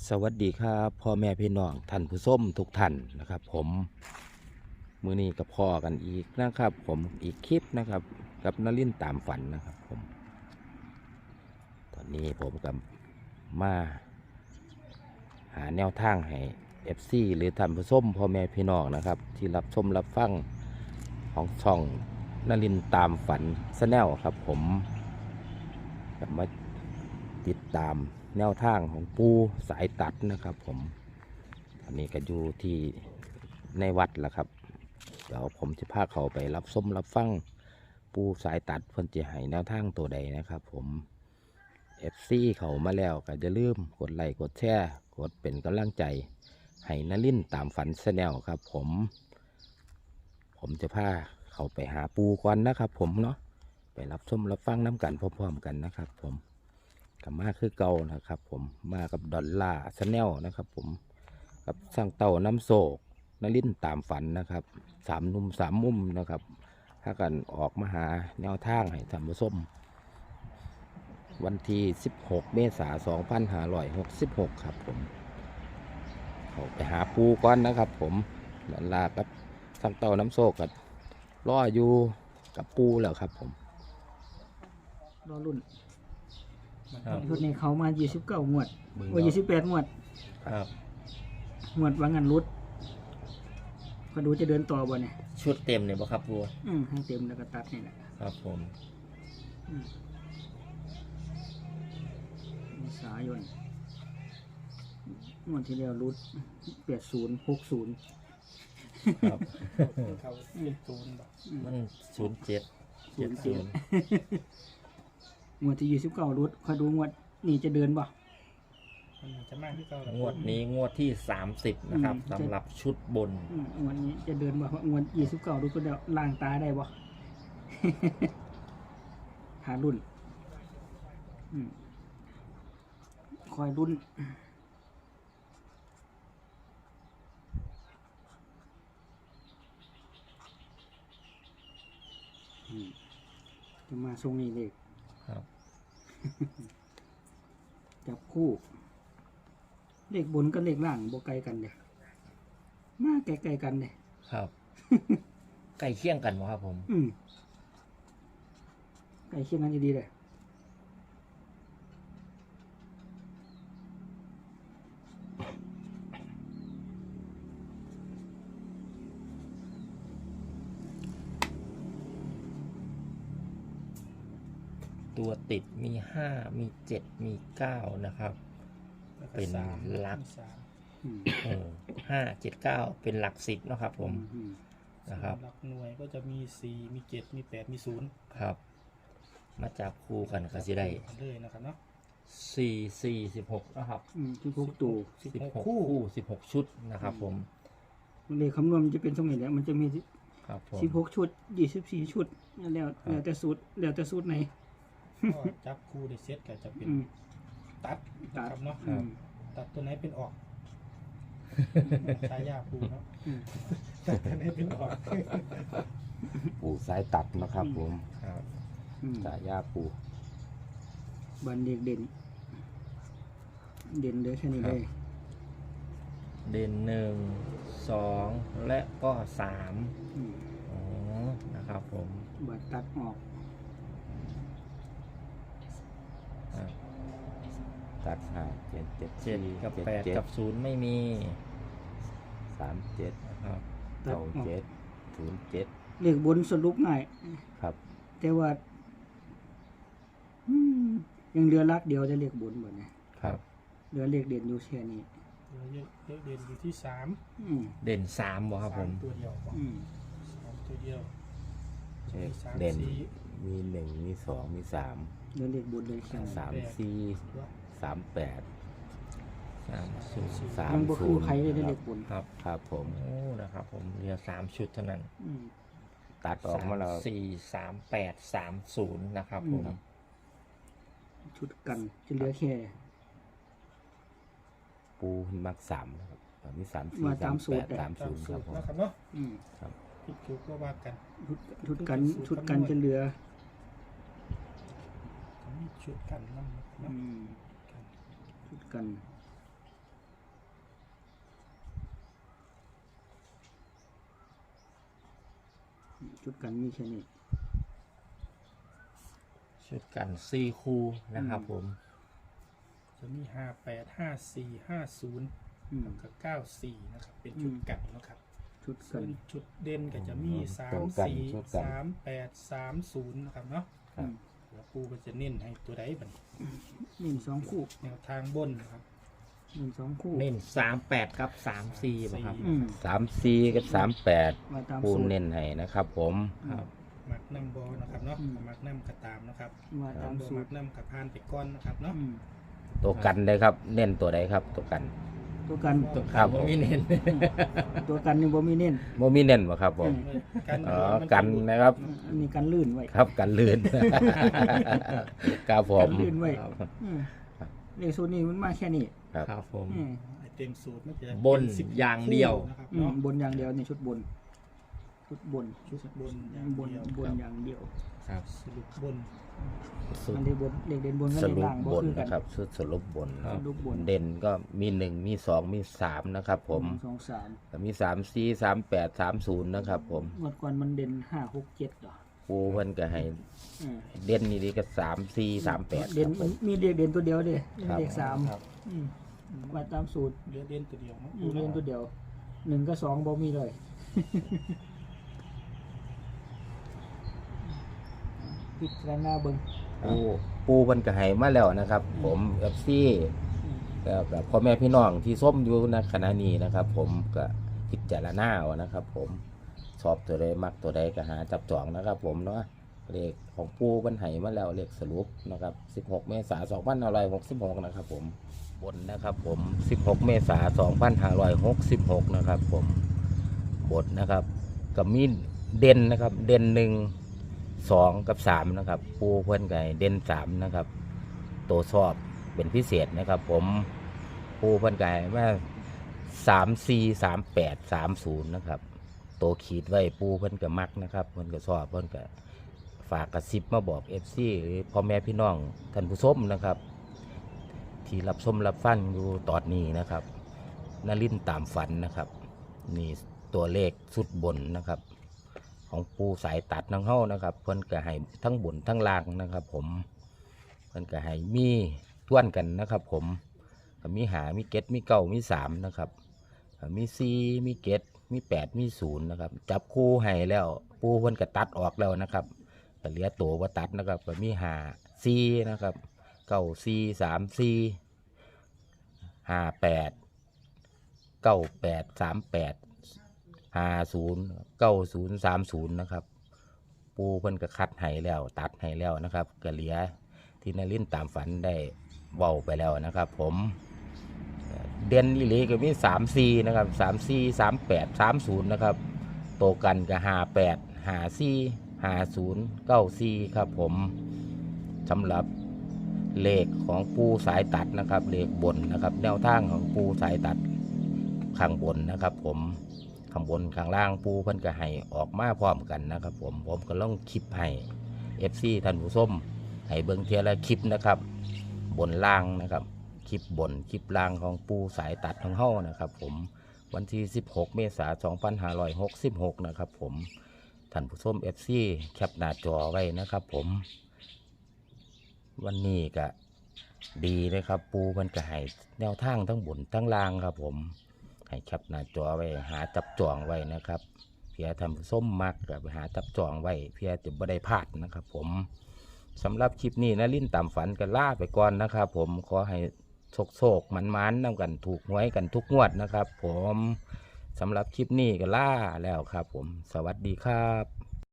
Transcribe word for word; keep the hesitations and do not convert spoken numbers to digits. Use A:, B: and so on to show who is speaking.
A: สวัสดีครับพ่อแม่พี่น้องท่านผู้ชมทุกท่านนะครับผมมื้อนี้กับพ่อกันอีกนะครับ ผมอีกคลิปนะครับกับนลินทร์ตามฝันนะครับผมตอนนี้ผมกับมาหาแนวทางให้ เอฟ ซี หรือท่านผู้ชมพ่อแม่พี่น้องนะครับที่รับชมรับฟังของช่องนลินทร์ตามฝันชาแนลครับผมจะมาติดตามแนวทางของปูสายตัดนะครับผมอันนี้ก็อยู่ที่ในวัดแหละครับเดี๋ยวผมจะพาเขาไปรับส้มรับฟังปูสายตัดเพิ่นจะให้แนวทางตัวใดนะครับผม เอฟ ซี เขามาแล้วก็จะลืมกดไลค์กดแชร์กดเป็นกำลังใจให้นลินทร์ตามฝันชาแนลครับผมผมจะพาเขาไปหาปูก่อนนะครับผมเนาะไปรับส้มรับฟังน้ำกันพร้อมๆกันนะครับผมกับมาคือเก่านะครับผมมากับดอลลาร์ชาแนลนะครับผมกับสร้างเต่าน้ำโศกนลินทร์ตามฝันนะครับสามนุ่มสามมุมนะครับถ้ากันออกมาหาแนวทางให้ท่านผู้ชมวันที่สิบหกเมษายนสองพันห้าร้อยหกสิบหกครับผมเขาไปหาปูก่อนนะครับผมดอลลาร์กับสร้างเต่าน้ำโศกกับรออยู่กับปูแล้วครับผม
B: รอรุ่น
C: ครับ
B: ชุดนี้เขามายี่สิบเก้างวด
A: เบิ่ง
B: โอ้ยี่สิบแปดงวด
C: ครับ
B: งวดวางงานรุดก็ดูจะเดินต่อบ่เนี่ย
C: ชุดเต็มเนี่ยบ่ครับครู
B: อืมให้เต็มแล้วก็ตัดนี่แหละ
C: ครับผม
B: อืมเมษายนงวดที่แล้วรุดแปดศูนย์หกศูนย์
C: ครับ
D: เขาเป็นศูนย์แบบ
C: มันศูนย์เจ็ด
B: ศู
C: เจ็
B: น
C: ด
B: ย์
C: ศู
B: เจ็ด
C: นย์
B: งวดที่ยี่สิบเก้ารุดคอยดูงวดนี่จะเดินบ่
D: มันจะมากที่เขา
C: งวดนี้งวดที่สามสิบนะครับ
B: อืม
C: สำหรับชุดบน
B: อืมงวดนี้จะเดินบ่เพราะงวดยี่สิบเก้ารุดก็เดี๋ยวล่างตาได้บ่ หารุ่นอืมคอยรุ่น อืมจะมาทรงนี้เลย
C: ครับ
B: จับคู่ เลขบนกับเลขล่างบ่ไกลกันเด้มาไกลๆกันเด้
C: ครับ ใกล้เคียงกันบ่ครับผม
B: อืมไกลเคียงกันดีๆเลย
C: ตัวติดมีห้ามีเจ็ดมีเก้านะครับ เป็นหลัก
D: สาม
B: อืม
C: เออห้าเจ็ดเก้าเป็นหลักสิบนะครับผม
B: อืม
C: นะครับ
D: หลักหน่วยก็จะมีสี่มีเจ็ดมีแปดมีศูนย์
C: ครับ มาจับคู่กันก็จะได้
D: เลยนะครับเนาะ
C: สี่สี่สิบหกนะครับ
B: อืมที่พวกตัว
D: สิบ
C: สิบ
D: หก
C: หก
D: คู่
C: คู่สิบหกชุดนะครับผม
B: เลขคำนวณมันจะเป็นทรงนี้แหละมันจะมี
C: ครับผม
B: สิบหกชุดยี่สิบสี่ชุดแล้ว
C: ครับ
B: แล้วแต่สูตรแล้วแต่สูตรไหน
D: ก็จับคู่ได้เซตก็จะเป็น
B: อืม
D: ตัดนะครับเนาะ
B: อืม
D: ตัดตัวไหนเป็นออกใช้ยาคู่เนาะ
B: อืม
D: ตัดตัวไหนเป็นออก
A: ปูสายตัดนะครับผม
C: ครับ
B: อืม
A: สายยาปู
B: บันเด็กเด่น เด่นเด้อแค่นี้เลย
C: เด่นหนึ่งสองและก็สาม
B: อืม
C: อ๋อนะครับผม
B: บัดตัดออก
C: อ่ะ
A: ตัดห้าเจ็ดเจ็ด
C: เจ็ดกับแปด
A: เจ็ด
C: กับศูนย์ไม่มี
A: สามเจ็ด
C: นะครับ
B: ตัด
A: เก้า
B: ออก
A: เจ็ดศูนย์เจ็ด
B: เลขบนสรุปง่าย
A: ครับ
B: แต่ว่าอืมยังเหลือลักเดียวจะเลขบนบ่เนี่ย
A: ครับ
B: เหลือเลขเด่นอยู่แค่นี้
D: เหลือเยอะเยอะเด่นอยู่ที่สาม
B: อืม
C: เด่นสามบ่ครับผ
D: สาม ตัวเดียวบอก
B: อืม
D: สามตัวเดียว
A: เช็ค
D: สาม
A: เด่น
D: สี่
A: มีหนึ่งมีสองมีสาม
B: เหลือเลขบนเลยแค่นี้
A: สามสี่สามแปด
C: สามศูนย์
A: สาม
B: มันบ่
A: ศู
B: คือน
A: ย์
B: ใครเลยได้เลขบน
C: ครับ
A: ครับผม
C: โอ้นะครับผมเหลือสามชุดเท่านั้น
B: อืม
A: ตัดออกมาแล้ว
C: สสี่สามแปดสามศูนย์นะครับผม
B: อืม ชุดกันจะเหลือแค่
A: ปูมักสามนะครับตอนนี้สามสี่
B: มา
A: สา
B: ตาม
A: ม
B: สู
A: แป
B: ต
A: ด
B: ร
A: สาม
D: ตา
A: ศู
D: ม
A: นย์ค
D: สู
A: รับ
D: ตร
A: ผม
D: นะครับเนาะ
B: อืม
D: ผิดถูกก็ว่ากัน
B: ชุดชุดกันชุดกันจะเหลือ
D: มีชุดกันนั่นนะ
B: อืมชุดกันชุดกันมีแค่นี้
C: ชุดกันสี่คู่นะครับผม
D: จะมีห้าแปดห้าสี่ห้าศูนย์
B: อืม
D: กับเก้าสี่นะครับ เป็นชุด
B: อืม
D: กันนะครับ
B: ชุด
D: ส่
B: กั
D: วน นชุดเด่นก็จะมีสา
A: ตั
D: ม
A: วกัน
D: สี่
A: ชุดกัน
D: สามแปดสามศูนย์นะครับเนาะ
B: อืม
D: แล้วปูก็จะเน้นให้ตัวใดบัดน
B: หนึ่งสองคู่
D: แนวทางบนนะครับ
B: หนึ่งสองคู่
C: เน้นสามแปดกับสามสี่ป่ะครับ
B: อืม
A: สามสี่กับสามแปด
B: มาตาม
A: ปู
B: สูตร
A: เน้นให้นะครับ ผม
C: ครับ
D: มักน้ำบอนะครับเนาะ
B: อืม
D: มักน้ำกระตามนะครับ
B: มาตาม
D: บอ
B: สู
D: มั
B: ต
D: ก
B: ร
D: น้ำกระพานไปก้อนนะครับเนาะ
B: อืม
A: ตัวกันเลยครับ เน้นตัวใดครับ ตัวกัน
B: ตัวกัน
C: ตัว
A: ครับ
C: ผมมีเน้น
B: ตัวกันนี่บ่มีเน้น
A: โมมีเน้นบ่ครับผม
D: กัน
A: อ๋อ
D: มั
A: กันนะครับ
B: อันนี้กันลื่นไว้
A: ครับกันลื่น ครับผ
B: กั
A: ม
B: นลื่นไว้
C: ครับ
B: อืมเลขสูตรนี้มันมาแค่นี้
A: ครับ
C: ครับผม
B: อืม
D: ไอเต็มสูตรมันจะ
C: บน
D: เป็นสิบ
C: อย่างเดียว
D: นะครับ
B: อืม
D: เนาะ
B: บนอย่างเดียวนี่ชุดบน ชุดบน
D: ชุดบนอย่าง
B: บน
D: เดียว
B: บนอย่างเดียว
C: ครับ
D: สรุปบน
A: สุด
B: อันนี้บนเลขเด่นบนก็
A: ส
B: เลข
A: รุป
B: ล่างบ่
A: บน
B: คือกัน
A: นะครับสุดสรุปบน
C: ครับ
B: สรุปบน
A: เด่นก็มีหนึ่งมีสองมีสามนะครับ ผม
B: หนึ่งสองสาม
A: ก็มีสามสี่สามแปดสามศูนย์นะครับ ผม
B: งวดก่อนมันเด่นห้าหกเจ็ดเหรอ
A: ปูเพิ่นก็ให้
B: อืม
A: เด่นนี่ดีก็สามสี่สามแปด
B: เด่น
A: ผ
B: มัน
A: ม
B: มีเลขเด่นตัวเดียวเด้
A: ครับ
B: เลขสาม
C: ครับ
B: อืมมาตามสูตร
D: เหลือเด่นตัวเดียวเนาะ
B: อืมเด่นตัวเดียวหนึ่งกับสองบ่มีเลย พิจารณาเบิ่ง
A: ปูปูเพิ่นก็ให้มาแล้วนะครับ ผมเอฟซี
B: อืม
A: กับพ่อแม่พี่น้องที่ส้มอยู่ในขณะนี้นะครับ ผมก็พิจารณาเอานะครับ ผมชอบตัวใดมักตัวใดก็หาจับจองนะครับ ผมเนาะเลขของปูเพิ่นให้มาแล้วเลขสรุปนะครับสิบหกเมษายนสองพันห้าร้อยหกสิบหกนะครับ ผมบนนะครับ ผมสิบหกเมษายนสองพันห้าร้อยหกสิบหกนะครับ ผมบทนะครับกับมีเด่นนะครับ เด่นหนึ่งสองกับสามนะครับ ปูเพิ่นไก่เด่นสามนะครับตัวชอบเป็นพิเศษนะครับ ผมปูเพิ่นไก่ว่าสามสี่สามแปดสามศูนย์นะครับตัวขีดไว้ปูเพิ่นก็มักนะครับเพิ่นก็ชอบเพิ่นก็ฝากกระซิบมาบอกเอฟซีหรือพ่อแม่พี่น้องท่านผู้ชมนะครับ ที่รับชมรับฟังอยู่ตอนนี้นะครับนลินทร์ตามฝันนะครับ นี่ตัวเลขสุดบนนะครับ ของปูสายตัดนังเฮ้านะครับ เพิ่นก็ให้ทั้งบนทั้งล่างนะครับ ผมเพิ่นก็ให้มีท่วนกันนะครับ ผมก็มีหามีเก็ดมีเก้ามีสามนะครับก็มีสี่มีเก็ดมีแปดมีศูนย์นะครับ จับคู่ให้แล้ว ปูเพิ่นก็ตัดออกแล้วนะครับก็เหลือตัวว่าตัดนะครับก็มีหาสี่นะครับเก้าสี่สามสี่ห้าแปดเก้าแปดสามแปดห้าศูนย์เก้าศูนย์สามศูนย์นะครับ ปูเพิ่นก็คัดให้แล้ว ตัดให้แล้วนะครับก็เหลือที่นลินทร์ตามฝันได้เว้าไปแล้วนะครับ ผมเด่นอีหลีก็มีสามสี่นะครับสามสี่สามแปดสามศูนย์นะครับโตกันก็ห้าแปดห้าสี่ห้าศูนย์เก้าสี่ครับ ผมสำหรับเลขของปูสายตัดนะครับเลขบนนะครับ แนวทางของปูสายตัดข้างบนนะครับ ผมข้างบนข้างล่างปูเพิ่นก็ให้ออกมาพร้อมกันนะครับ ผมผมก็ลองคลิปให้ เอฟ ซี ท่านผู้ชมให้เบิ่งเทียละคลิปนะครับ บนล่างนะครับคลิปบนคลิปล่างของปูสายตัดของเฮานะครับ ผมวันที่สิบหกเมษายนสองพันห้าร้อยหกสิบหกนะครับ ผมท่านผู้ชม เอฟ ซี แคปหน้าจอไว้นะครับ ผมวันนี้ก็ดีนะครับ ปูมันก็ให้แนวทางทั้งบนทั้งล่างครับ ผมให้แคปหน้าจอไว้หาจับจองไว้นะครับเพื่อท่านผู้ชมมักก็ไปหาจับจองไว้เพื่อจะบ่ได้พลาดนะครับ ผมสำหรับคลิปนี้นลินทร์ตามฝันกันล่าไปก่อนนะครับ ผมขอให้โชคโชคมันมันๆนำกันถูกหวยกันทุกงวดนะครับ ผมสำหรับคลิปนี้ก็ล่าแล้วครับ ผมสวัสดีครับ